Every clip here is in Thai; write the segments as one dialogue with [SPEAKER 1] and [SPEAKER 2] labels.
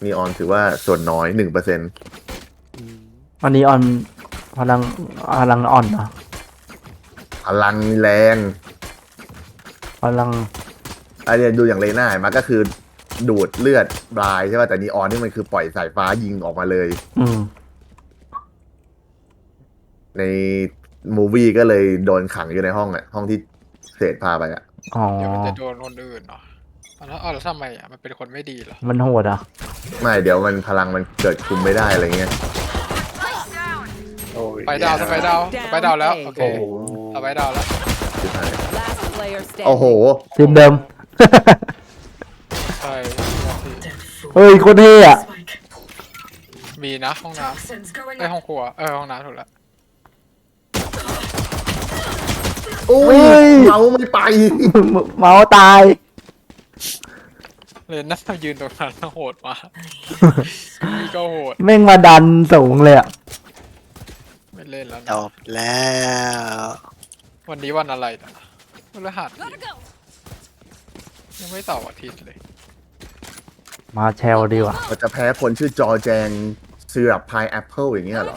[SPEAKER 1] นีออนถือว่าส่วนน้อย 1%
[SPEAKER 2] อันนี้ออนพลังอ่อนเหรอ
[SPEAKER 1] พลังแรง
[SPEAKER 2] พลัง
[SPEAKER 1] อันนี้ดูอย่างเลน่ามันก็คือดูดเลือดบลายใช่ป่ะแต่นีออนนี่มันคือปล่อยสายฟ้ายิงออกมาเลย ในมูวี่ก็เลยโดนขังอยู่ในห้องอ่ะห้องที่เศษพาไปอ่ะ
[SPEAKER 2] อ๋อ
[SPEAKER 3] เดี๋ยวมันจะโดนคนอื่นเนาะแล้วทำไมมันเป็นคนไม่ดีเหรอ
[SPEAKER 2] มันโหดอ่ะ
[SPEAKER 1] ไม่เดี๋ยวมันพลังมันเกิดคุมไม่ได้อะไรเงี้ย
[SPEAKER 4] โอ้ย
[SPEAKER 3] ไปดาวแล้วโอเคเอาไปดาวแล้ว
[SPEAKER 1] สุดท้าย
[SPEAKER 5] Last player standing.
[SPEAKER 1] โอ้โห
[SPEAKER 2] ทีมเดิม
[SPEAKER 3] ใช่
[SPEAKER 2] เฮ้ยโคตรเท่อะ
[SPEAKER 3] มีนะห้องน้ำห้องครัวห้องน้ำถูกแล้ว
[SPEAKER 1] โอ้ยเมาไม่ไป
[SPEAKER 2] เมาส์ตาย
[SPEAKER 3] เลยน่ายืนตรงนั้นโหดมากนี่ก็โหด
[SPEAKER 2] แม่งมาดันสูงเลยอ่ะ
[SPEAKER 3] ไม่เล่นแล้ว
[SPEAKER 4] จ
[SPEAKER 3] นะ
[SPEAKER 4] บแล้ว
[SPEAKER 3] วันนี้วันอะไรนะวันพฤหัสยังไม่ต่ออาทิตย์เลย
[SPEAKER 2] มาแชลดีว่ะ
[SPEAKER 1] เราจะแพ้คนชื่อจอแจงซีรัปพายแอปเปิลอย่างเงี้ยเหรอ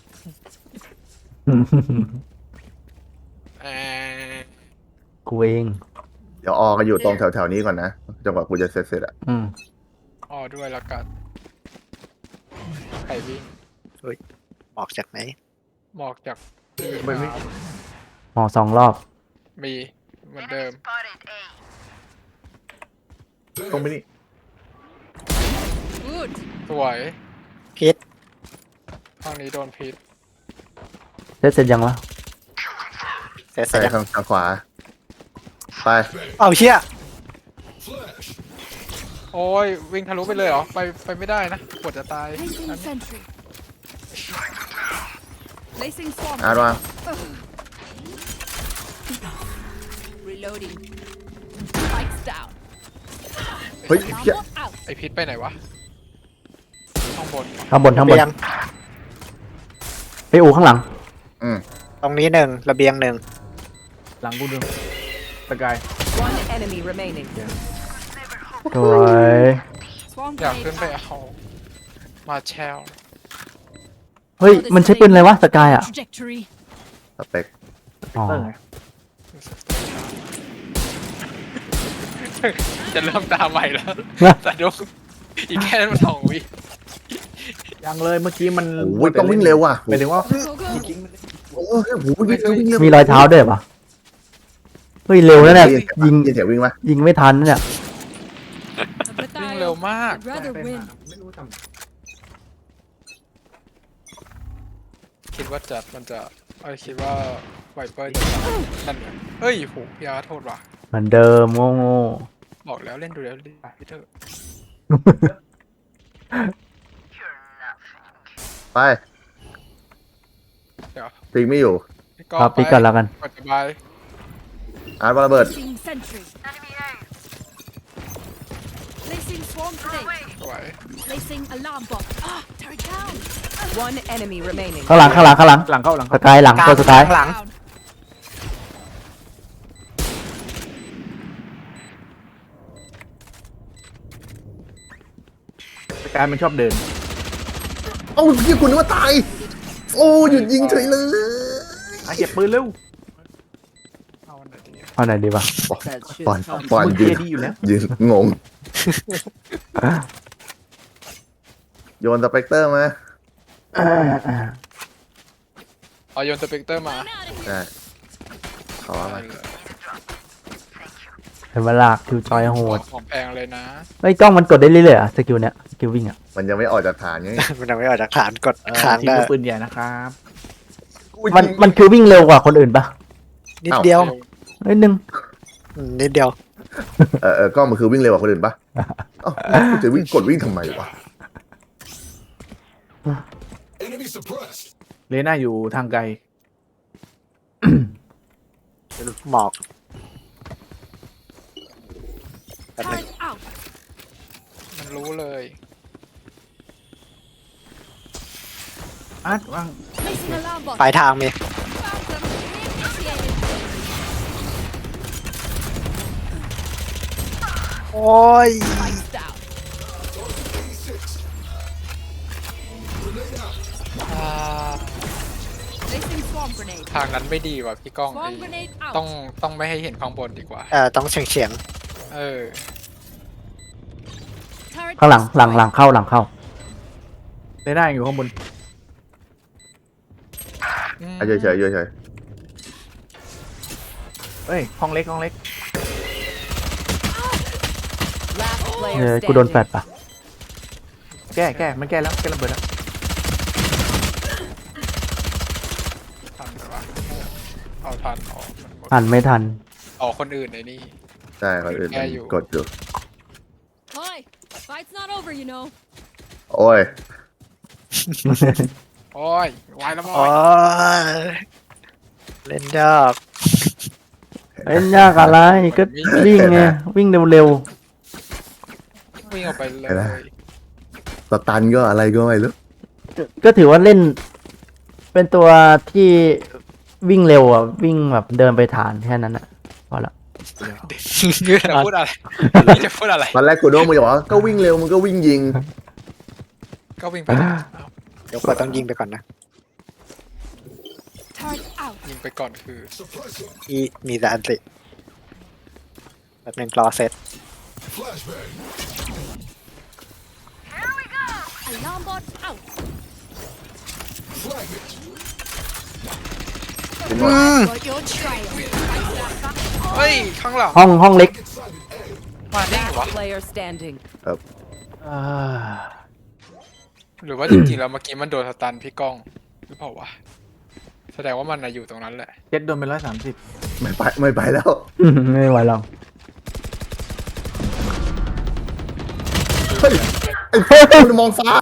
[SPEAKER 3] เออ
[SPEAKER 2] กูเอง
[SPEAKER 1] เดี๋ยวออกันอยู่ตรงแถวๆนี้ก่อนนะจนกว่ากูจะเสร็จอ่ะ
[SPEAKER 3] อ๋อด้วยละกันใครวิ่ง
[SPEAKER 4] ออกจากไหน
[SPEAKER 3] หมอกจากที่
[SPEAKER 2] หมอ2 รอบ
[SPEAKER 3] มีเหมือนเดิม
[SPEAKER 1] ตรงไปนี่
[SPEAKER 5] Good.
[SPEAKER 3] สวย
[SPEAKER 4] พิษ
[SPEAKER 3] ห้องนี้โดนพิษ
[SPEAKER 2] เสร็จยังวะ
[SPEAKER 4] เสร็จ
[SPEAKER 1] ใส่
[SPEAKER 4] แล้ว
[SPEAKER 1] ทางขวา ไป
[SPEAKER 4] เอาเชี่ย
[SPEAKER 3] โอ้ยวิ่งทะลุไปเลยเหรอไปไม่ได้นะปวดจะตาย
[SPEAKER 5] Placing sentry. Placing swarm.
[SPEAKER 1] อาร์ตวาง
[SPEAKER 5] Reloading. Spikes down.
[SPEAKER 1] เฮ้ยเหี้ย
[SPEAKER 5] Alarm out.
[SPEAKER 3] ไอพิษไปไหนวะข้างบน
[SPEAKER 2] ข้างบน
[SPEAKER 4] ระเบียง
[SPEAKER 2] ไปอูข้างหลัง
[SPEAKER 4] ตรงนี้1ระเบียง1
[SPEAKER 6] หลังกูดูสกาย
[SPEAKER 5] One enemy remaining.
[SPEAKER 2] สวย
[SPEAKER 5] Swarm
[SPEAKER 3] อยาก
[SPEAKER 5] grenade
[SPEAKER 3] ขึ้นไป
[SPEAKER 5] out.
[SPEAKER 3] เอามาแชล
[SPEAKER 2] เฮ้ย มันใช้ปืนอะไรวะสกายอ่ะ
[SPEAKER 5] Trajectory.
[SPEAKER 1] สเปค
[SPEAKER 2] อ๋อ
[SPEAKER 6] เตอร์ไง
[SPEAKER 3] จะเริ่มตามใหม่แล้ว แต่ดูอีกแค่2 วิ
[SPEAKER 6] ยังเลยเมื่อกี้มัน
[SPEAKER 1] โอ้ยต้องวิ่งเร็วว่ะ
[SPEAKER 6] หมายถึงว่า
[SPEAKER 5] Go go.
[SPEAKER 1] โอ้ยโหวิ่งเร็ววิ่งเร็ว
[SPEAKER 2] มีรอยเท้าด้วยปะเฮ้ย เร็วนะเนี่ยยิง
[SPEAKER 1] เสียงวิ่งปะ
[SPEAKER 2] ยิงไม่ทันนะเนี่ย
[SPEAKER 3] วิ่งเร็วมาก
[SPEAKER 5] I'd rather win.
[SPEAKER 6] ไม่รู้ทำ
[SPEAKER 3] คิดว่ามันจะคิดว่าไวเปอร์จะนั่นไงเฮ้ยโหยาโทษว่ะ
[SPEAKER 2] เหมือนเดิมโง่
[SPEAKER 3] บอกแล้วเล่นดูแล้วดิพี่เถอะ
[SPEAKER 1] ไป
[SPEAKER 3] เดี๋ยว
[SPEAKER 1] ปิงไม่อยู่
[SPEAKER 2] ๆครับปีกันแล้วกัน
[SPEAKER 3] กดสบาย
[SPEAKER 1] อาร์ตวางระเบิด
[SPEAKER 5] Placing sentry. Placing swarm grenade.
[SPEAKER 3] สวย
[SPEAKER 5] Placing alarm bot. Ah, turret down. One enemy remaining.
[SPEAKER 2] ข้างหลัง
[SPEAKER 6] หลังเข้าหลัง
[SPEAKER 2] ส
[SPEAKER 6] เข้าก
[SPEAKER 2] ายหลังตัวสุดท้าย
[SPEAKER 4] หลัง
[SPEAKER 5] Down.
[SPEAKER 6] สกายมันชอบเดิน
[SPEAKER 1] เอ้าพี่คุณนึกว่าตาย โอ้หยุดยิงเฉยเลย
[SPEAKER 6] เก็บปืนเร็ว
[SPEAKER 3] เอาอันไหนดี
[SPEAKER 2] เอาไหนดีวะ
[SPEAKER 1] ปอน
[SPEAKER 6] มึง
[SPEAKER 1] ยื
[SPEAKER 6] เกีย
[SPEAKER 1] น
[SPEAKER 6] ร์ดีอยู่แล้ว
[SPEAKER 1] ยืนงง โยนสเปกเตอร์มา
[SPEAKER 3] เอาโยนสเปกเตอร์มา
[SPEAKER 1] ได้ขออะไร
[SPEAKER 2] เป็นเวลาคิวจอยโหด
[SPEAKER 3] ของแพงเลยนะ
[SPEAKER 2] ไอ้ยกล้องมันกดได้เรื่อยๆอ่ะสกิลเนี้ยสกิลวิ่งอ่ะ
[SPEAKER 1] มันยังไม่ออกจากฐานไง
[SPEAKER 4] มันยังไม่ออกจากฐานกด
[SPEAKER 6] ที
[SPEAKER 4] ค้าง
[SPEAKER 6] ม
[SPEAKER 4] ได้
[SPEAKER 6] ลูกปืนใหญ่นะครับ
[SPEAKER 2] มันคือวิ่งเร็วกว่าคนอื่นปะ
[SPEAKER 4] นิดเดียว
[SPEAKER 2] นิดนึง
[SPEAKER 4] นิดเดียว
[SPEAKER 1] กล้องมันคือวิ่งเร็วกว่าคนอื่นปะเอ้ากูจะวิ่งกดวิ่งทำไมวะ
[SPEAKER 6] เลน่าอยู่ทางไกล
[SPEAKER 4] หมอกแป๊บนึง
[SPEAKER 5] Turret out.
[SPEAKER 3] มันรู้เลย
[SPEAKER 6] อาร์ตวาง
[SPEAKER 5] Placing alarm bot.
[SPEAKER 4] ปลายทางมี
[SPEAKER 5] Found them. Reinitiated.
[SPEAKER 4] โอ้ย
[SPEAKER 5] Spikes down. Placing swarm grenade.
[SPEAKER 3] ทางนั้นไม่ดีว่ะพี่ก้องไอ้
[SPEAKER 5] Swarm grenade out.
[SPEAKER 3] ต้องไม่ให้เห็นข้างบนดีกว่า
[SPEAKER 4] ต้องเฉียง
[SPEAKER 3] เออ
[SPEAKER 5] Turret
[SPEAKER 2] ข้างหลัง
[SPEAKER 5] destroyed.
[SPEAKER 2] หลังเข้าหลังเข้า
[SPEAKER 6] ได้ได้อยู่ข้างบน
[SPEAKER 1] เฉยเฉยเฉย
[SPEAKER 6] เอ้ยห้องเล็กห้องเล็ก
[SPEAKER 5] Last
[SPEAKER 2] เอ
[SPEAKER 5] player
[SPEAKER 2] อกูโดนแฟ
[SPEAKER 5] standing.
[SPEAKER 2] ดปะ
[SPEAKER 6] แก้มันแก้แล้วแก้ระเบิดแล้ว
[SPEAKER 3] ทันหรือวะเอาทันออกมันหมด
[SPEAKER 2] ทันไม่ทัน
[SPEAKER 3] ออกคนอื่นในนี่
[SPEAKER 1] ใช่คนอื่น
[SPEAKER 3] แก้อยู่
[SPEAKER 1] กดอยู่
[SPEAKER 5] Hi. Fight's not over, you know.
[SPEAKER 1] โอ้ย
[SPEAKER 3] โอ้ยวายแล้ว
[SPEAKER 4] ๆ
[SPEAKER 3] มั้
[SPEAKER 4] อ๋
[SPEAKER 3] ง
[SPEAKER 4] อเล่นยาก
[SPEAKER 2] เอ้ยยากอะไรก็วิ่งไงวิ่งเร็ว
[SPEAKER 3] วิ่งออกไปเลย
[SPEAKER 1] สตันก็อะไรก็ไม่รู้
[SPEAKER 2] ๆก็ถือว่าเล่น เป็นตัวที่วิ่งเร็วอ่ะวิ่งแบบเดินไปฐานแค่นั้นอ่ะพอละ
[SPEAKER 3] จะพูดอะไรจะพูดอะไร
[SPEAKER 1] ตอนแรกกูโดนมึงจะบอกว่าก็วิ่งเร็วมึงก็วิ่งยิง
[SPEAKER 3] ก็วิ่งไปเอา
[SPEAKER 4] เดี๋ยวขวดต้องยิงไปก่อนนะ
[SPEAKER 5] Turret out.
[SPEAKER 3] ยิงไปก่อนคือ
[SPEAKER 4] มีแต่อันติแบบหนึ่งรอเซต
[SPEAKER 5] Alarm bot out.
[SPEAKER 1] จริงวะ
[SPEAKER 5] Got your trail.
[SPEAKER 3] เฮ้ยข้างหลัง
[SPEAKER 2] ห้องเล็ก
[SPEAKER 3] มาได้ไงวะ
[SPEAKER 5] Last player standing.
[SPEAKER 2] อ่า
[SPEAKER 3] หรือว่าจริงๆแล้วเมื่อกี้มันโดนสตันพี่ก้องหรือเปล่าวะแสดงว่ามันน่ะอยู่ตรงนั้นแหละ
[SPEAKER 6] เจ็ดโดนไป130
[SPEAKER 1] ไม่ไปแล้ว
[SPEAKER 2] ไม่ไหวหรอก
[SPEAKER 1] เฮ้ยไอ้คุณมองฟ้า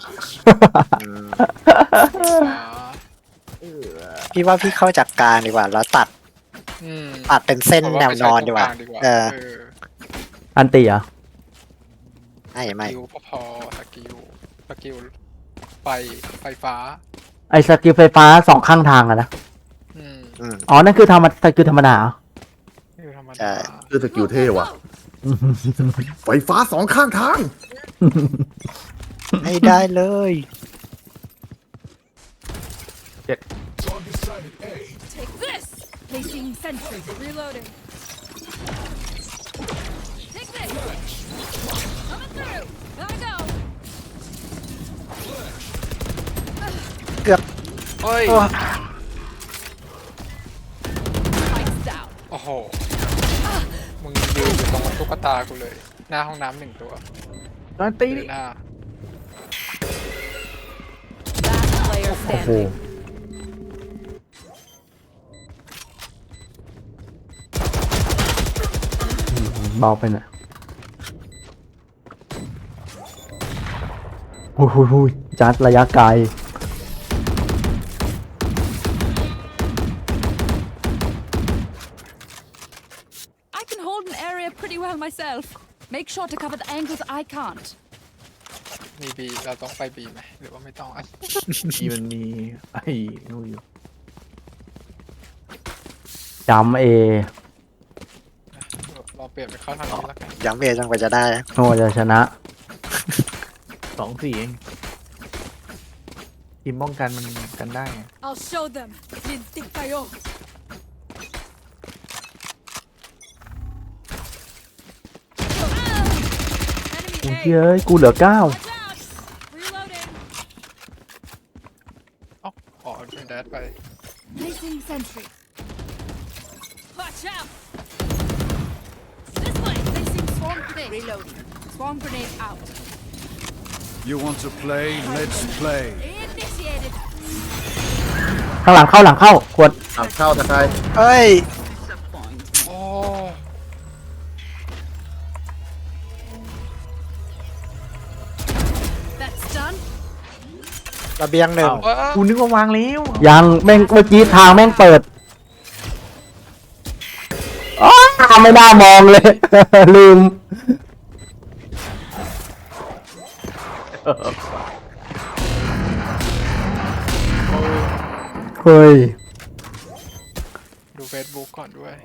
[SPEAKER 4] พี่ว่าพี่เข้าจากกลางดีกว่า แล้วตัดเป็นเส้นแนวนอนดีกว่า เออ
[SPEAKER 2] อันตีเหรอ่ะ
[SPEAKER 4] ไม่
[SPEAKER 3] สกิลพอสกิลไฟฟ้า
[SPEAKER 2] ไอสกิลไฟฟ้าสองข้างทางอะนะ
[SPEAKER 3] อืม
[SPEAKER 2] อ๋อนั่นคือสกิลธรรมดาเหรอ
[SPEAKER 3] คือธรรม
[SPEAKER 4] ใช่
[SPEAKER 3] ดา
[SPEAKER 1] คือสกิลเท่ว่ะ ไฟฟ้าสองข้างทาง
[SPEAKER 4] ให้ได้เลย
[SPEAKER 5] Take this. Placing sentry. Reloading. Take this. Coming through. Gotta go.
[SPEAKER 3] เฮ้ย
[SPEAKER 5] Lights down.
[SPEAKER 3] โอ้โหมึงยืนอยู่ตรงตุ๊กตากูเลย หน้าห้องน้ำหนึ่งตัว
[SPEAKER 6] ตอนตี
[SPEAKER 3] หรือหน้า
[SPEAKER 5] Last player
[SPEAKER 2] โอ้โห
[SPEAKER 5] standing.
[SPEAKER 2] เบาไปหน่อยหุยจัดระยะไกล
[SPEAKER 5] I can hold an area pretty well myself. Make sure to cover the angles I can't.
[SPEAKER 3] มีบีเราต้องไปบีไหมหรือว่าไม่ต้องอ่ะ
[SPEAKER 6] มีมันมีไอ้นู่นอยู่
[SPEAKER 2] จำเอ
[SPEAKER 3] เราเปลี่ยนไปเข้าทางนี้แล้วกัน
[SPEAKER 4] ย้ำเอจนกว่าจะได้
[SPEAKER 2] โอ้จะชนะ
[SPEAKER 6] 2-4เองทีมป้องกันมันกันได้ไง
[SPEAKER 5] I'll show them. Lintik kayo.
[SPEAKER 2] โอ้ยเฮ้ยกูเหลือ 9
[SPEAKER 5] Watch out. Reloading.
[SPEAKER 3] อ๋อเป็นแดดไป
[SPEAKER 5] Placing sentry. Watch out. This way. Placing swarm grenade. Reloading. Swarm grenade out.
[SPEAKER 7] You want to play? Let's play.
[SPEAKER 5] Initiated.
[SPEAKER 2] ข้างหลังเข้าขวด
[SPEAKER 1] อ่ะเข้าตะไคร้
[SPEAKER 4] เอ้ย
[SPEAKER 3] โอ้
[SPEAKER 5] That's done.
[SPEAKER 4] ระเบียงหนึ่ง
[SPEAKER 6] อ้าว กูนึกว่าวางแล้ว
[SPEAKER 2] ยังแม่งเมื่อกี้ทางแม่งเปิดอ๋อไม่น่ามองเลย ลืม เฮ้ย
[SPEAKER 3] ดูเฟซบุ๊กก่อนด้วย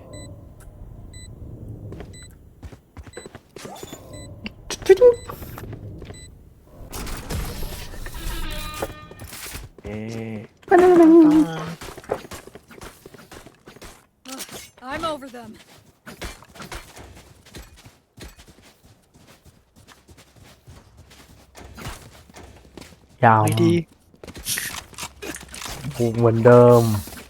[SPEAKER 6] เอ๊ะ
[SPEAKER 2] ยาว
[SPEAKER 4] ไม่ดี
[SPEAKER 2] ผูกเหมือนเดิม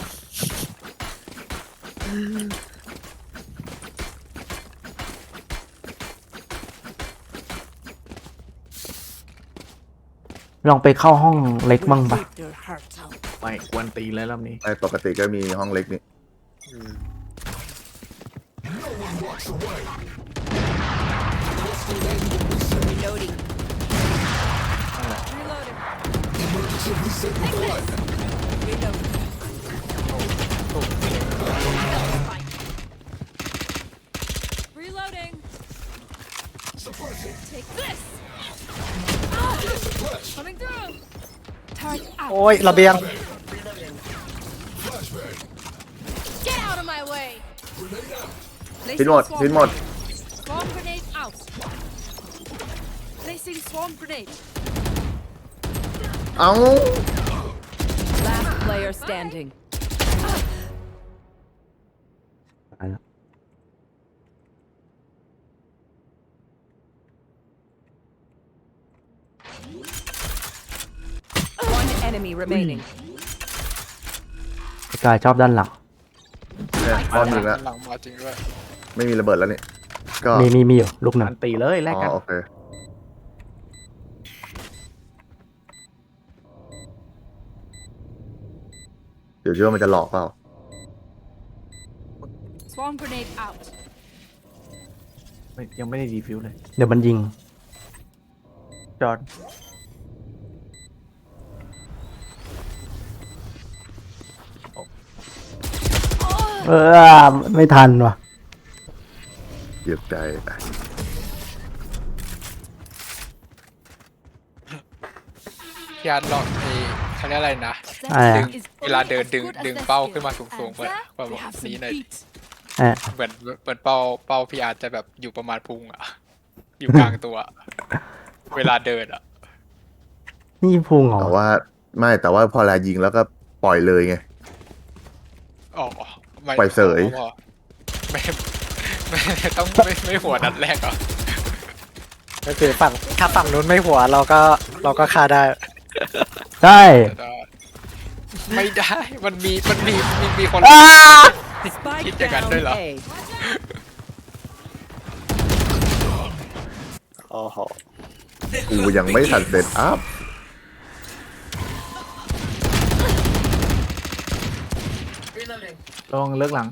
[SPEAKER 2] ลองไปเข้าห้องเล็กบ้างปะ
[SPEAKER 6] ไม่กวนตีเลยรอบนี้
[SPEAKER 1] ไอ้ปกติก็มีห้องเล็กนี่
[SPEAKER 5] Reloading. Reloading. Take this. Reloading. Reloading. Take this. Coming through. Turret out.
[SPEAKER 4] โอ้ยระเบียง
[SPEAKER 5] Get out of my way.
[SPEAKER 1] ชิ้นหมด
[SPEAKER 5] Placing
[SPEAKER 1] ชิ้นหมด
[SPEAKER 5] Swarm grenade out. Placing swarm grenade.
[SPEAKER 1] เอ้า
[SPEAKER 5] Last player standing.
[SPEAKER 2] ตายแล้ว
[SPEAKER 5] One enemy remaining.
[SPEAKER 2] ไอ้กายชอบด้านหลัง
[SPEAKER 1] เนี่ยอ้อนหนึ่งแล้ว
[SPEAKER 3] หลังมาจริงด้วย
[SPEAKER 1] ไม่มีระเบิดแล้วนี่ก็
[SPEAKER 2] มีอยู่ลูกหนึ่ง
[SPEAKER 6] อันตีเลยแลก
[SPEAKER 1] อ๋
[SPEAKER 6] กัน
[SPEAKER 1] อโอเคเดี๋ยวเชื่อว่ามันจะหลอกเปล่า
[SPEAKER 5] Swarm grenade out.
[SPEAKER 6] ยังไม่ได้ดีฟิวเลย
[SPEAKER 2] เดี๋ยวมันยิง
[SPEAKER 6] จอด
[SPEAKER 2] ไม่ทันว่ะ
[SPEAKER 1] เหยียบใจ
[SPEAKER 3] พี่อาร์ตลองเขาเรียกอะไรนะ
[SPEAKER 2] อ่า
[SPEAKER 3] ดึงเวลาเดินดึงเป้าขึ้นมาสูงๆแบบนี้หน่อย
[SPEAKER 2] เอ่ะ
[SPEAKER 3] เหมือนเป้าพี่อาร์ตจะแบบอยู่ประมาณพุงอ่ะ อยู่กลางตัว เวลาเดินอ่ะ
[SPEAKER 2] นี่พุงเหรอ
[SPEAKER 1] แต่ว่าไม่แต่ว่าพอเวลายิงแล้วก็ปล่อยเลยไง
[SPEAKER 3] อ๋อไม่
[SPEAKER 1] ปล่อยเสย
[SPEAKER 3] ไม่ต้องไม่หัวนัดแรกเหรอ
[SPEAKER 4] ก็คือฝั่งถ้าฝั่งนู้นไม่หัวเราก็ฆ่าได้
[SPEAKER 2] ได้
[SPEAKER 3] ไม่ได้ มันมีคน
[SPEAKER 5] Spike
[SPEAKER 3] Hit the gun
[SPEAKER 5] down
[SPEAKER 3] ด้วยเหรอ
[SPEAKER 5] A.
[SPEAKER 4] โอ้โห
[SPEAKER 1] กูยังไม่ทันเสร็จอัพ
[SPEAKER 6] ลองเลิกหลัง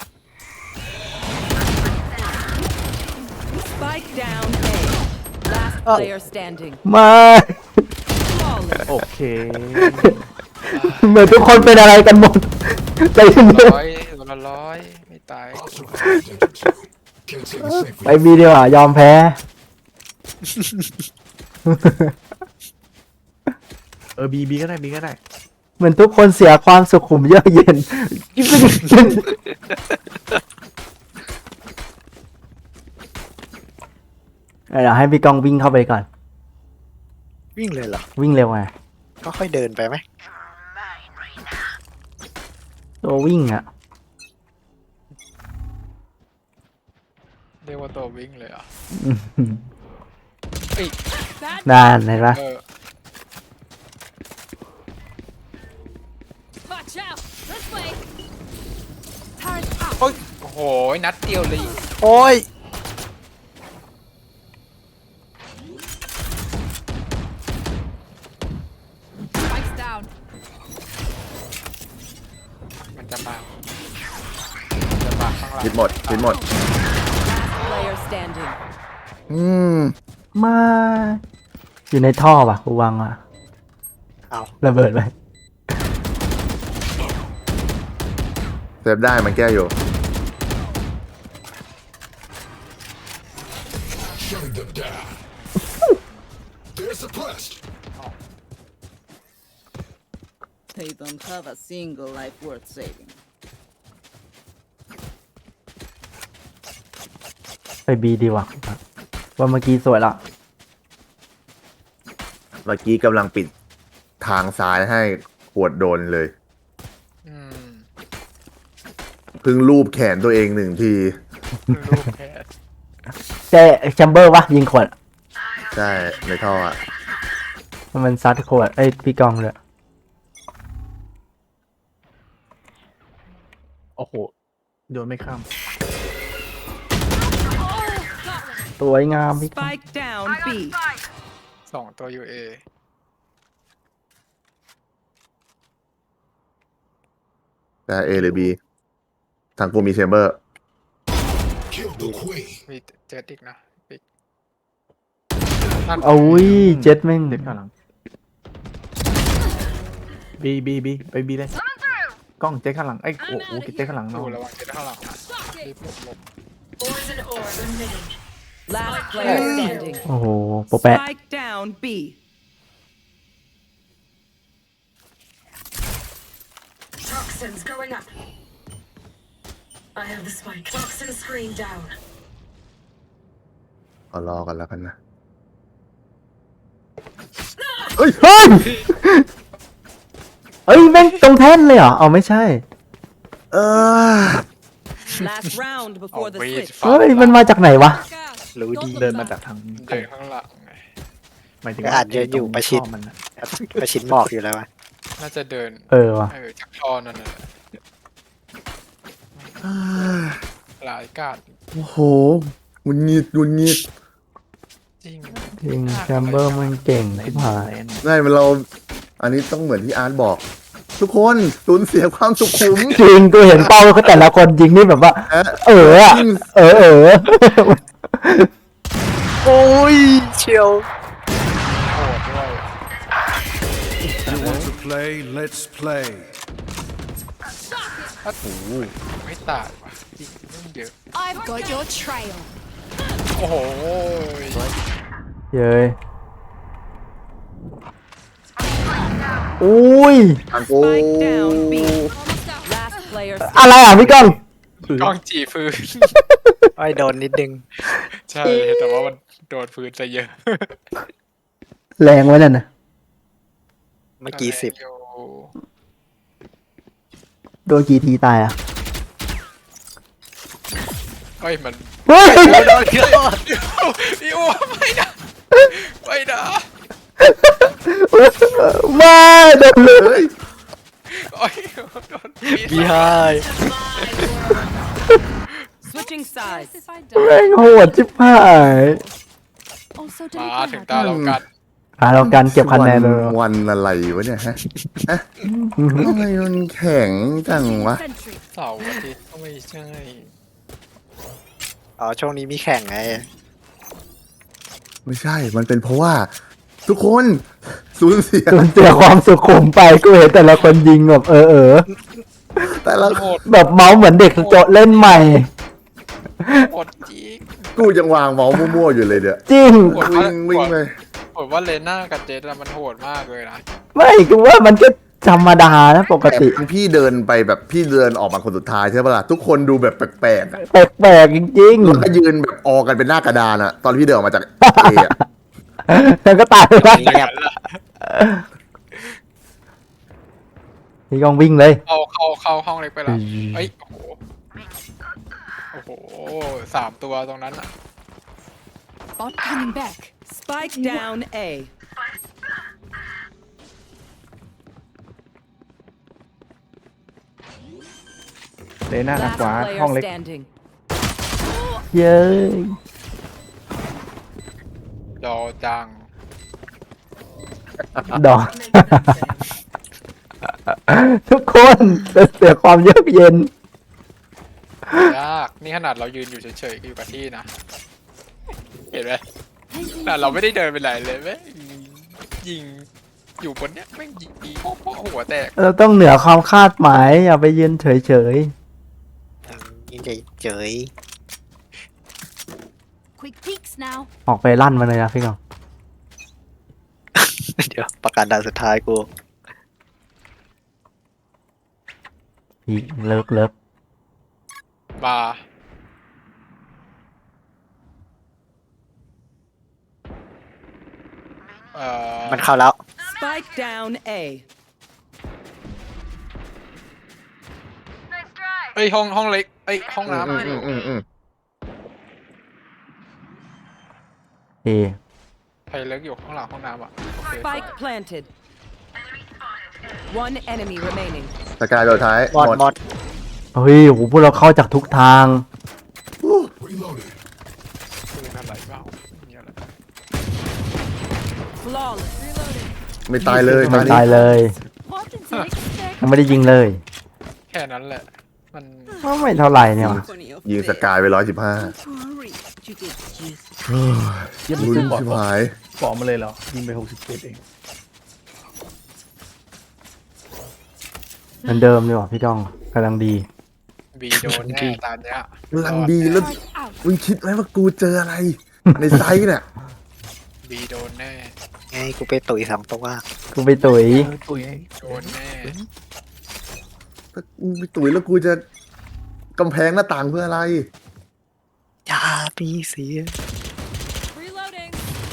[SPEAKER 5] Spike down A. Last player standing.
[SPEAKER 2] มา
[SPEAKER 5] Flawless.
[SPEAKER 6] โอเค
[SPEAKER 2] เหมือนทุกคนเป็นอะไรกันหมดไปที่นี่
[SPEAKER 3] ร้อยไม่ตาย
[SPEAKER 2] ไปบีดีกว่ายอมแพ้
[SPEAKER 6] บีก็ได้บีก็ได้
[SPEAKER 2] เหมือนทุกคนเสียความสุขุมเยือกเย็น เดี๋ยวให้พี่กองวิ่งเข้าไปก่อน
[SPEAKER 4] วิ่งเลยเหรอ
[SPEAKER 2] วิ่งเร็วไง
[SPEAKER 4] ก็ค่อยเดินไปไหม
[SPEAKER 2] ตัววิ่งอ่ะ
[SPEAKER 3] เรียกว่าตัววิ่งเลยอ่ะ
[SPEAKER 5] Bad
[SPEAKER 2] นานเห็นปะ
[SPEAKER 5] Watch out. This way. Turret out.
[SPEAKER 3] โอ้โหนัดเดียวเลย
[SPEAKER 4] โอ้ย
[SPEAKER 5] Spikes down.
[SPEAKER 3] มันจะมาข้างหลัง
[SPEAKER 1] ชิ้นหมดชิ้นหมด
[SPEAKER 5] Last player standing.
[SPEAKER 1] อืม
[SPEAKER 2] มาอยู่ในท่อป่ะกูวางอ่ะ
[SPEAKER 4] เอา
[SPEAKER 2] ระเบิดไป
[SPEAKER 1] เซฟได้มันแก้อยู่
[SPEAKER 8] They don't have a single life worth saving.
[SPEAKER 2] ไปบีดีกว่าว่าเมื่อกี้สวยละ
[SPEAKER 1] เมื่อกี้กำลังปิดทางซ้ายให้ขวดโดนเลย
[SPEAKER 3] อืม
[SPEAKER 1] เพิ่งรูปแขนตัวเองหนึ่งที
[SPEAKER 3] ลูกแพ้
[SPEAKER 2] แชมเบอร์วะยิงขวด
[SPEAKER 1] ใช่ในท่ออ่ะ
[SPEAKER 2] โมันซัดโคตรไอ้พี่กองเลย
[SPEAKER 6] โอ้โหโยนไม่ข้าม
[SPEAKER 2] สวยงามพี่กอง
[SPEAKER 8] Spike down B.
[SPEAKER 3] 2 ตัว UA
[SPEAKER 1] แต่ A หรือ B ทางกูมีเชมเบอร์
[SPEAKER 3] มีเจ็ดอีกนะปิก
[SPEAKER 2] โอ้ยเจ็ดแม่ง
[SPEAKER 6] เจ็ดข้างหลังบีไปบีเลยกล้องเจ็ดข้างหลังไอ้ยโอ้โหเจ็ดข้างหลัง
[SPEAKER 3] ดู
[SPEAKER 6] เนาะ
[SPEAKER 3] ระวังเจ็ดข้างหลังนะรีบหลบ
[SPEAKER 8] Last player standing.
[SPEAKER 2] โอ้โหโปะแปะ
[SPEAKER 8] Spike down B.
[SPEAKER 9] Toxins going up. I have the spike. Toxin screen down.
[SPEAKER 1] เอารอกันแล้วกันนะ
[SPEAKER 2] เฮ้ย เอ้ยแม่งตรงแท่นเลยเหรอเอาไม่ใช่
[SPEAKER 8] Last round
[SPEAKER 3] เอา
[SPEAKER 8] before the
[SPEAKER 3] วีด
[SPEAKER 8] switch.
[SPEAKER 3] ฟั
[SPEAKER 2] เฮ้ยมันมาจากไหนวะ
[SPEAKER 4] รู้ดี
[SPEAKER 6] เดินมาจากทาง
[SPEAKER 3] เดินข้างหลังไง
[SPEAKER 6] หมายถึง
[SPEAKER 4] ก็อาจจะอยู่ประชิด
[SPEAKER 6] ท่อมันนะ
[SPEAKER 4] ประชิดหมอกอยู่แล้ววะ
[SPEAKER 3] น่าจะเดิน
[SPEAKER 2] ว่ะ
[SPEAKER 3] จากท่อนั่นน่ะหลายกาด
[SPEAKER 1] โอ้โหงุนงิด
[SPEAKER 3] จริง
[SPEAKER 2] จริงแชมเบอร์มันเก่งที่หาย
[SPEAKER 1] ง่ายมันเรา อันนี้ต้องเหมือนที่อาร์ตบอก ทุกคนสูญเสียความสุขุม
[SPEAKER 2] จริงกูเห็นเป้าเขาแต่ละคนจริงนี่แบบว่า อะ
[SPEAKER 4] โอ้ยเชียว
[SPEAKER 3] โหดด้วย
[SPEAKER 7] You want to play? Let's play.
[SPEAKER 3] ถ้าถูไม่ตายว่ะจริงเรื่องเยอะ
[SPEAKER 5] I've got your trail.
[SPEAKER 3] โอ้โห
[SPEAKER 2] เย้ยอุ้ย
[SPEAKER 1] ทางกู
[SPEAKER 8] Spike down B.
[SPEAKER 5] Almost out.
[SPEAKER 8] Last player
[SPEAKER 2] อะไรอ่ะพี่ก้อง
[SPEAKER 3] กล้องจีฟื้น
[SPEAKER 4] ไอ้โดนนิดนึง
[SPEAKER 3] ใช่ แต่ว่ามันโดนฟื้นซะเยอะ
[SPEAKER 2] แรงไว้นั่นนะ
[SPEAKER 4] เมื่อกี้10
[SPEAKER 3] อยู่
[SPEAKER 2] โดนกี่ทีตายอ่ะ
[SPEAKER 3] เฮ้ยมัน
[SPEAKER 2] เฮ้ย
[SPEAKER 3] พี่อ้วไม่นะไม่นะ
[SPEAKER 2] มาโดนเลย
[SPEAKER 3] โอ้ยโดนปีน
[SPEAKER 4] บีไฮ
[SPEAKER 8] switching sides.
[SPEAKER 5] If I
[SPEAKER 2] แม่
[SPEAKER 5] die.
[SPEAKER 2] งโหดชิบหาย
[SPEAKER 5] Also
[SPEAKER 3] มาถึง
[SPEAKER 5] delivered.
[SPEAKER 3] ตาเรากัน
[SPEAKER 2] เราการเก็บคะแนนเลย
[SPEAKER 1] วันอะไรวะเนี่ยฮะทำไมมันแข็งจังวะ
[SPEAKER 5] Sentry.
[SPEAKER 3] เสาร์อาทิตย์ก็ไม่ใช่
[SPEAKER 4] อ๋อช่วงนี้มีแข่งไง
[SPEAKER 1] ไม่ใช่ มันเป็นเพราะว่า ทุกคนสูญเสีย
[SPEAKER 2] สูญเสียความสุขุมไปกูเห็นแต่ละคนยิงแบบ
[SPEAKER 1] แต่ละ
[SPEAKER 3] โหด
[SPEAKER 2] แบบเมาส์เหมือนเด็กโจเล่นใหม่
[SPEAKER 3] โหดจริง
[SPEAKER 1] กูยังวางเมาส์มั่วๆอยู่เลยเดี๋ยว
[SPEAKER 2] จริง
[SPEAKER 3] โหด
[SPEAKER 1] วิ่งเลย
[SPEAKER 3] ผมว่าเลน่ากับเจสอะมันโหดมากเลยนะ
[SPEAKER 2] ไม่กูว่ามันก็ธรรมดานะปกติ
[SPEAKER 1] แต่พี่เดินไปแบบพี่เดินออกมาคนสุดท้ายใช่ปะล่ะทุกคนดูแบบแปลกๆอะ
[SPEAKER 2] แปลกๆจริง
[SPEAKER 1] แล้วก็ยืนแบบออกันเป็นหน้ากระดานอะตอนพี่เดินออกมาจากเออะ
[SPEAKER 2] ๆแล้วก็ตายไปแล้ว
[SPEAKER 4] เงียบ
[SPEAKER 2] พี่กองวิ่งเลย
[SPEAKER 3] เข้าห้องเล็กไปละเอ้ยโอ้โห3 ตัวตรงนั้นอะ
[SPEAKER 5] Bot coming back.
[SPEAKER 8] Spike down A.
[SPEAKER 6] เลน่าทาง
[SPEAKER 8] Last
[SPEAKER 6] ขวาห้อง
[SPEAKER 8] player
[SPEAKER 6] เล็ก
[SPEAKER 8] standing.
[SPEAKER 2] เย้ย
[SPEAKER 3] จอจัง
[SPEAKER 2] ดอก ทุกคนจะเสียความเยือกเย็น
[SPEAKER 3] ยากนี่ขนาดเรายืนอยู่เฉยๆอยู่กับที่นะ เห็นไหมแต่เราไม่ได้เดินไปไหนเลยแม่งยิงอยู่บนเนี้ยแม่งยิงโป๊ะหัวแตก
[SPEAKER 2] เราต้องเหนือความคาดหมาย อย่าไปยืนเฉย
[SPEAKER 4] ยิงเฉย
[SPEAKER 5] Quick peeks now.
[SPEAKER 2] ๆ ออกไปลั่นมาเลยนะพี่กอง
[SPEAKER 4] ๆ เดี๋ยวประกาศด่านสุดท้ายกู
[SPEAKER 2] อีกเลิก
[SPEAKER 3] บา
[SPEAKER 4] มันเข้าแล้ว
[SPEAKER 8] Spike down A.
[SPEAKER 3] เอ้ยห้องเล็กเอ้ยห้องน้ำ
[SPEAKER 2] เอ
[SPEAKER 3] ใครเลิกอยู่ข้างหลังห้องน้ำอ่ะโอเค
[SPEAKER 8] Spike planted. One enemy remaining.
[SPEAKER 1] สกายโดดท้าย
[SPEAKER 4] หมดหมด
[SPEAKER 2] เฮ้ยโหพวกเราเข้าจากทุกทาง
[SPEAKER 3] ปืนอะไรเปล่ามีอะไร
[SPEAKER 8] Flawless. Reloading.
[SPEAKER 1] ไม่ตายเลย
[SPEAKER 2] มัน
[SPEAKER 1] นี้
[SPEAKER 2] ตายเลย
[SPEAKER 5] What did they expect?
[SPEAKER 2] ยังไม่ได้ยิงเลย
[SPEAKER 3] แค่นั้นแหละ มัน
[SPEAKER 2] ก็ไม่เท่าไหร่เนี่ยว่ะ
[SPEAKER 1] ยิงสกายไป115
[SPEAKER 8] Hurry. You get juice.
[SPEAKER 6] เยี่ยม
[SPEAKER 1] ลุ้น
[SPEAKER 6] ซื้อปอด
[SPEAKER 1] ชิบหาย
[SPEAKER 6] ปอดมาเลยเหรอยิงไป67เอง
[SPEAKER 2] เหมือนเดิมเลยว่ะพี่ก้องกำลังดี
[SPEAKER 3] บีโดนแน่ตอนเนี้ย
[SPEAKER 1] กำลังดีแล้ว
[SPEAKER 5] Turret out.
[SPEAKER 1] มึงคิดไหมว่ากูเจออะไร ในไซส์เนี่ย
[SPEAKER 3] บีโดนแน่
[SPEAKER 4] ไงกูไปตุ๋ย2 ตัว
[SPEAKER 2] กูไปตุ๋ย
[SPEAKER 6] ตุ๋ยไง
[SPEAKER 3] โดนแน่
[SPEAKER 1] ถ้ากูไปตุ๋ยแล้วกูจะกำแพงหน้าต่างเพื่ออะไร
[SPEAKER 4] อย่ามีเสีย
[SPEAKER 5] Reloading.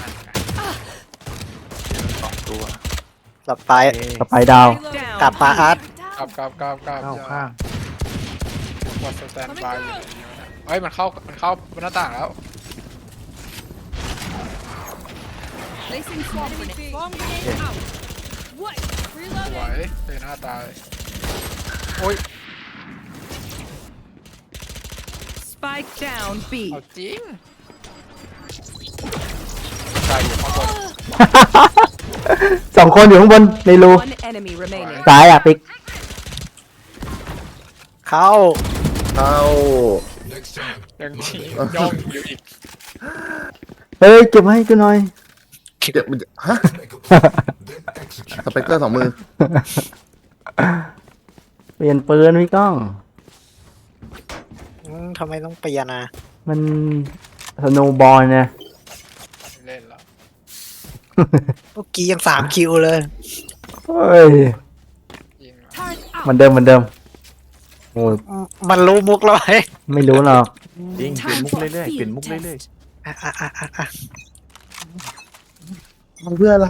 [SPEAKER 3] 2 ตัว
[SPEAKER 4] หลับไป
[SPEAKER 2] สไปดาว
[SPEAKER 8] Down.
[SPEAKER 4] กลับมาอาร์ต
[SPEAKER 3] กลับ
[SPEAKER 6] เข้าข้าง
[SPEAKER 3] วัดสแตนบายอยู่เฮ้ยมันเข้าบนหน้าต่างแล้ว
[SPEAKER 5] Placing swarm grenade. Swarm grenade out. What?
[SPEAKER 3] สว
[SPEAKER 5] Reloading.
[SPEAKER 3] ยเลยหน้าตาย โอ้ย
[SPEAKER 8] Spike down B.
[SPEAKER 3] เอาจริงตายอยู่ข้างบน
[SPEAKER 2] สองคนอยู่ข้างบนในรู
[SPEAKER 8] One enemy remaining.
[SPEAKER 2] ซ้ายอ่ะปิ๊ก
[SPEAKER 4] เข้า
[SPEAKER 1] เข้า
[SPEAKER 3] ยังทีย่องอยู่อีก
[SPEAKER 2] เฮ้ยเก็บมาให้กูหน่อย
[SPEAKER 1] เจ็บมันจะฮะ สเปกเตอร์2 มือ
[SPEAKER 2] เปลี่ยนปืนพี่ก้อง
[SPEAKER 4] ทำไมต้องเปลี่ยนอ่ะ
[SPEAKER 2] มันสโนว์บอลเนี่ย
[SPEAKER 3] เล่นแล้ว
[SPEAKER 4] เมื่อกี้ยัง3 คิวเลย
[SPEAKER 2] เฮ้ย
[SPEAKER 3] ยิงแล้ว
[SPEAKER 5] Turret
[SPEAKER 2] เหมื
[SPEAKER 5] out.
[SPEAKER 2] อนเดิมเหมือนเดิมโอ้ย
[SPEAKER 4] มันรู้มุกแล้วไอ้
[SPEAKER 2] ไม่รู้หรอก
[SPEAKER 6] จริงเปลี่ยน
[SPEAKER 5] Time
[SPEAKER 6] มุก
[SPEAKER 5] for
[SPEAKER 6] เรื่อย
[SPEAKER 5] a
[SPEAKER 6] ๆเปลี่ยน
[SPEAKER 5] field
[SPEAKER 6] มุกเรื่อย
[SPEAKER 5] test.
[SPEAKER 1] ทำเพื่ออะไร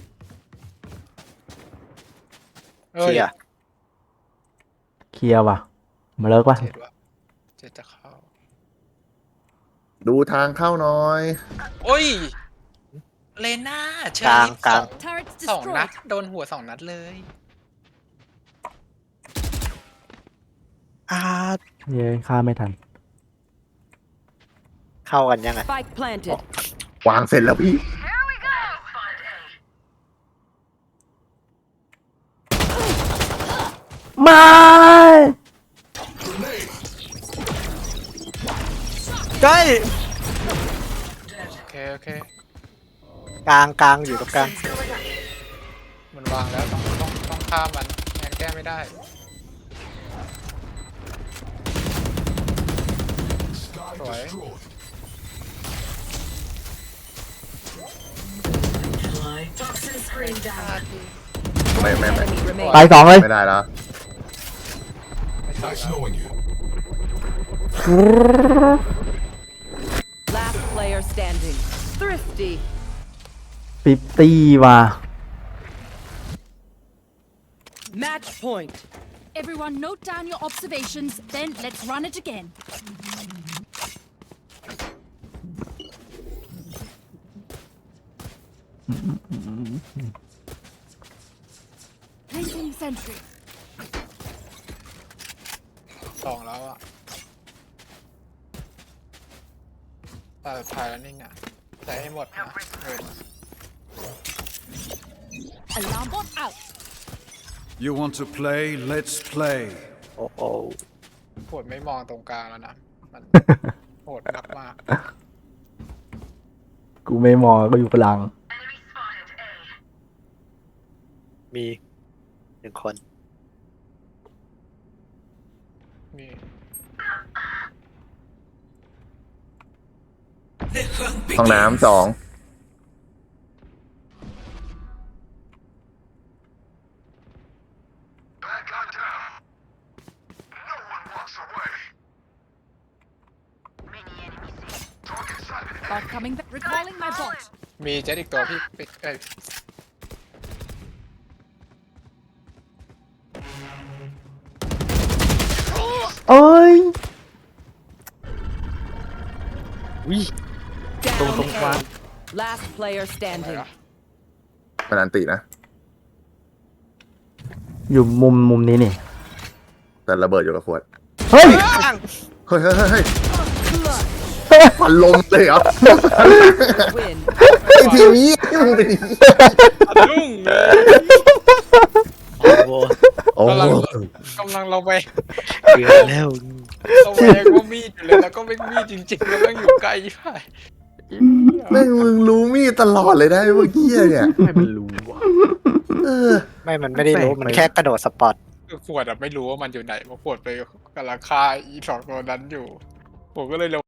[SPEAKER 3] เอ้ย
[SPEAKER 4] เสีย
[SPEAKER 2] เคลียร์ว่ะ มาเลิกว่ะ
[SPEAKER 3] เจ็ดวะเจ็ดจะเข้า
[SPEAKER 1] ดูทางเข้าหน่อย
[SPEAKER 3] โอ้ย เลน่าเช
[SPEAKER 4] กลางกลาง
[SPEAKER 5] Turrets
[SPEAKER 3] 2 นัด
[SPEAKER 5] destroyed.
[SPEAKER 3] โดนหัว 2 นัดเลย
[SPEAKER 4] อาร์ต
[SPEAKER 2] เย้ฆ่าไม่ทัน
[SPEAKER 4] เข้ากันยังไง
[SPEAKER 8] Spike planted.
[SPEAKER 1] วางเสร็จแล้วพี่
[SPEAKER 2] ไม่
[SPEAKER 4] ใกล้
[SPEAKER 3] โอเค
[SPEAKER 4] กลางอยู่ตรงกลาง
[SPEAKER 3] มันวางแล้วต้องฆ่ามันงั้นแก้ไม่ได้ สวย
[SPEAKER 9] Toxin screen down.
[SPEAKER 1] ไม่
[SPEAKER 8] Enemy remaining.
[SPEAKER 2] ตายสองเลย
[SPEAKER 1] ไม่ได้แล้ว
[SPEAKER 8] Last player standing. Thrifty.
[SPEAKER 2] 50 ว่ะ
[SPEAKER 8] Match point.
[SPEAKER 5] Everyone note down your observations, then let's run it again. Placing sentry.
[SPEAKER 3] 2 แล้วอ่ะตาสุดท้ายแล้วนิ่งอ่ะใช้ให้หมดนะเงิน
[SPEAKER 5] Alarm bot out.
[SPEAKER 7] You want to play? Let's play.
[SPEAKER 4] โอ้โห
[SPEAKER 3] โหดไม่มองตรงกลางแล้วนะ มัน โหดมากมาก
[SPEAKER 2] กูไม่มองก็อยู่กลาง
[SPEAKER 4] มี1 คน
[SPEAKER 3] มี
[SPEAKER 1] ห้องน้ำ2
[SPEAKER 5] Bot coming back. Recalling my bot.
[SPEAKER 3] มีเจ็ดอีกตัวพี่ปิ๊กเอ้ย
[SPEAKER 2] เอ้ย
[SPEAKER 6] ตรง
[SPEAKER 8] Down
[SPEAKER 6] กลาง
[SPEAKER 8] A. Last player
[SPEAKER 3] อะไร
[SPEAKER 8] standing.
[SPEAKER 3] วะ
[SPEAKER 1] มันอันตินะ
[SPEAKER 2] อยู่มุมนี้นี่
[SPEAKER 1] แต่ระเบิดอยู่กับขวด
[SPEAKER 2] เฮ้ย
[SPEAKER 1] เฮ้ยเฮ้ยเฮ้ยเฮ้ยพันลมเลยเหรอ
[SPEAKER 8] Win.
[SPEAKER 1] ไอ้ทีนี้มึงเป็นอย่างนี้
[SPEAKER 3] รุ่งเลย
[SPEAKER 4] โอ้โห
[SPEAKER 1] โอ้โห
[SPEAKER 3] กำลังเราไป
[SPEAKER 4] เกือบแล้ว
[SPEAKER 3] เราไปก็มีดอยู่เลยแล้วก็ไม่มีดจริงๆแล้วก็อยู่ไกลไป
[SPEAKER 1] แม่งมึงรู้มีดตลอดเลยได้เมื่อกี้เนี่ย
[SPEAKER 6] ให้มันรู้ว่ะ
[SPEAKER 1] เออ
[SPEAKER 4] ไม่มันไม่ได้รู้มันแค่กระโดดสปอต
[SPEAKER 3] คือขวดอะไม่รู้ว่ามันอยู่ไหนเพราะขวดไปกำลังฆ่าอีสองตัวนั้นอยู่ ผมก็เลยลง